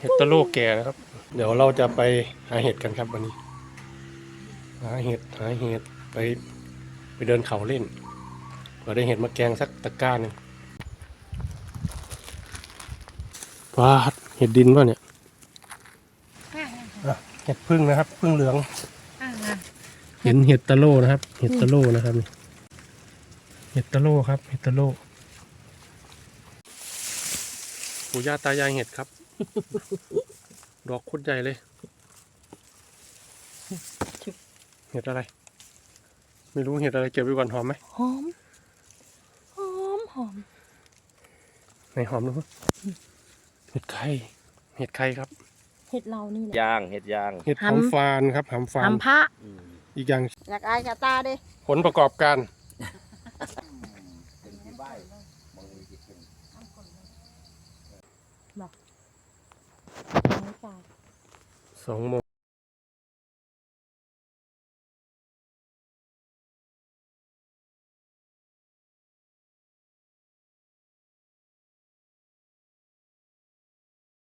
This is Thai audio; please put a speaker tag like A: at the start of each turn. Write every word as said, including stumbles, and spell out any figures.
A: เห็ดตะโลแก่นะครับเดี๋ยวเราจะไปหาเห็ดกันครับวันนี้หาเห็ดหาเห็ดไปไปเดินเขาเล่นเผื่อได้เห็ดมาแกงสักตะกร้าหนึ่งว้าเห็ดดินวะเนี่ยอ่ะเห็ดพึ่งนะครับพึ่งเหลืองเห็นเห็ดตะโลนะครับเห็ดตะโลนะครับเห็ดตะโลครับเห็ดตะโลปู่ย่าตายายเห็ดครับ ดอกโคตรใหญ่เลยเห็ดอะไรไม่รู้เห็ดอะไรเก็บไว้ก่อนหอมไหม
B: หอมหอมหอม
A: ไหนหอมดูเห็ดไข่เห็ดไข่ครับ
B: เห็ดเรานี่แหละ
C: ย่างเห็ดย่าง
A: เห็ดหอมฟานครับหอมฟาน
B: ทำพระ
A: อีกอย่าง
B: อยากอายกับตาดิ
A: ผลประกอบการสองโมง